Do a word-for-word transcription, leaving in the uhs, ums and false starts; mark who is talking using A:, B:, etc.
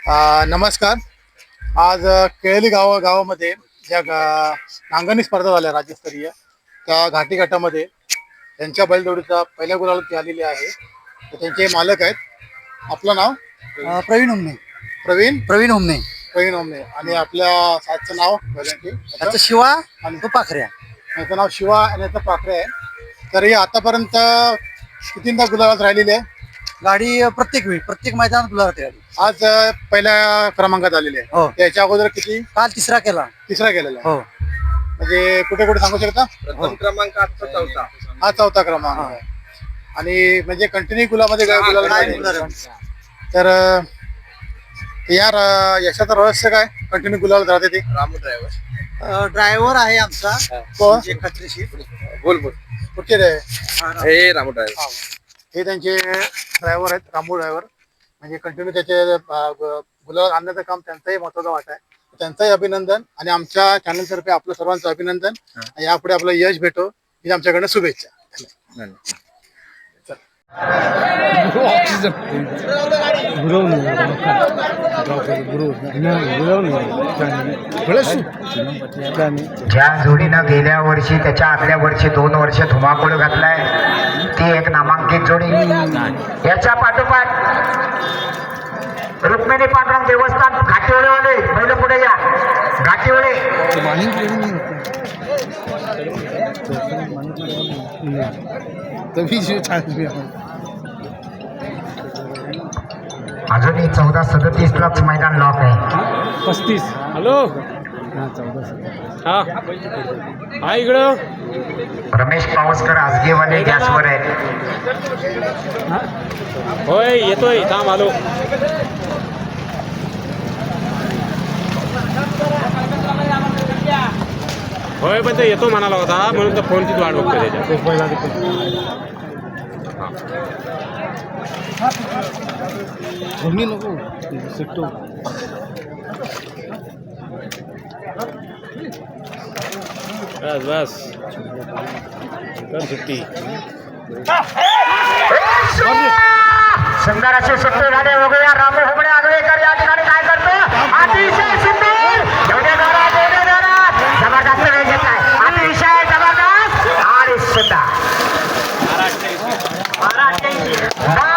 A: अ, नमस्कार. आज अ, केळली गाव गावामध्ये ज्या गा नांगरणी स्पर्धा झाल्या राज्यस्तरीय त्या घाटी गटामध्ये त्यांच्या बैलजोडीचा पहिल्या गुलाला आलेली आहे. तर त्यांचे मालक आहेत. आपलं नाव
B: अ, प्रवीण उमने
A: प्रवीण
B: प्रवीण उमने
A: प्रवीण ओमने आणि आपल्या साथचं नाव बैलांचे
B: त्याचं शिवा
A: आणि
B: आणि तो पाखऱ्या.
A: याचं नाव शिवा आणि याचं पाखरे आहे. तर हे आतापर्यंत कितींदा गुलाबात राहिलेली आहे.
B: गाडी अ, प्रत्येक वेळी प्रत्येक मैदानात गुलाबात गाडी.
A: आज अ, पहिल्या क्रमांकात आलेली आहे.
B: हो.
A: त्याच्या अगोदर किती
B: काल तिसरा केला.
A: तिसरा गेलेला आहे.
B: हो
A: म्हणजे कुठे कुठे सांगू शकता.
C: प्रथम क्रमांक आजचा चौथा.
A: हा चौथा क्रमांक आहे. आणि म्हणजे कंटिन्यू गुलामध्ये
C: हा,
A: गुलाल
B: काय
A: राहिले.
B: गुलाल.
A: तर अ, या र- यशाचं रहस्य काय कंटिन्यू गुलाल राहते ते
C: रामू ड्रायव्हर.
B: अ, ड्रायव्हर आहे आमचा
A: कोण?
B: म्हणजे खात्रीशीर.
C: बोल बोल.
A: कुठचे रे
C: हे रामू ड्रायव्हर.
A: हे त्यांचे ड्रायव्हर आहेत. रामू ड्रायव्हर म्हणजे कंटिन्यू त्याचे अ, ग- गुलाल आणण्याचं काम त्यांचाही महत्वाचा वाटा आहे. त्यांचंही अभिनंदन आणि आमच्या चॅनल तर्फे आपलं सर्वांचं अभिनंदन. यापुढे आपलं यश भेटो ही आमच्याकडनं शुभेच्छा.
D: ज्या जोडीनं गेल्या वर्षी त्याच्या आदल्या वर्षी दोन वर्ष धुमाकूळ घातलाय ती एक नामांकित जोडी. याच्या पाठोपाठ रुक्मिणी पांडुरंग देवस्थान घाटीवळेवाले बैल पुढे या. घाटीवळे अजूनही चौदा सदतीस लाच मैदान लॉक आहे.
E: पस्तीस. हॅलो हा हा इकडं
D: रमेश पावसकर आजगेवाले गॅसवर आहेत.
E: होय येतोय थांब आलो. होय पण ते येतो म्हणाला होता म्हणून तर फोनचीच वाट बघतो त्याच्या. बस बस कर सुट्टी.
D: सुंदर असे सुट्टे झाले. बघूया रामू हुबळे आगळेकर या ठिकाणी काय करतो. अतिशय सुंदर एवढ्या जोरात एवढ्या जोरात जबरदस्त वेळ घेतलाय. अतिशय जबरदस्त आणि सुंदर महाराष्ट्र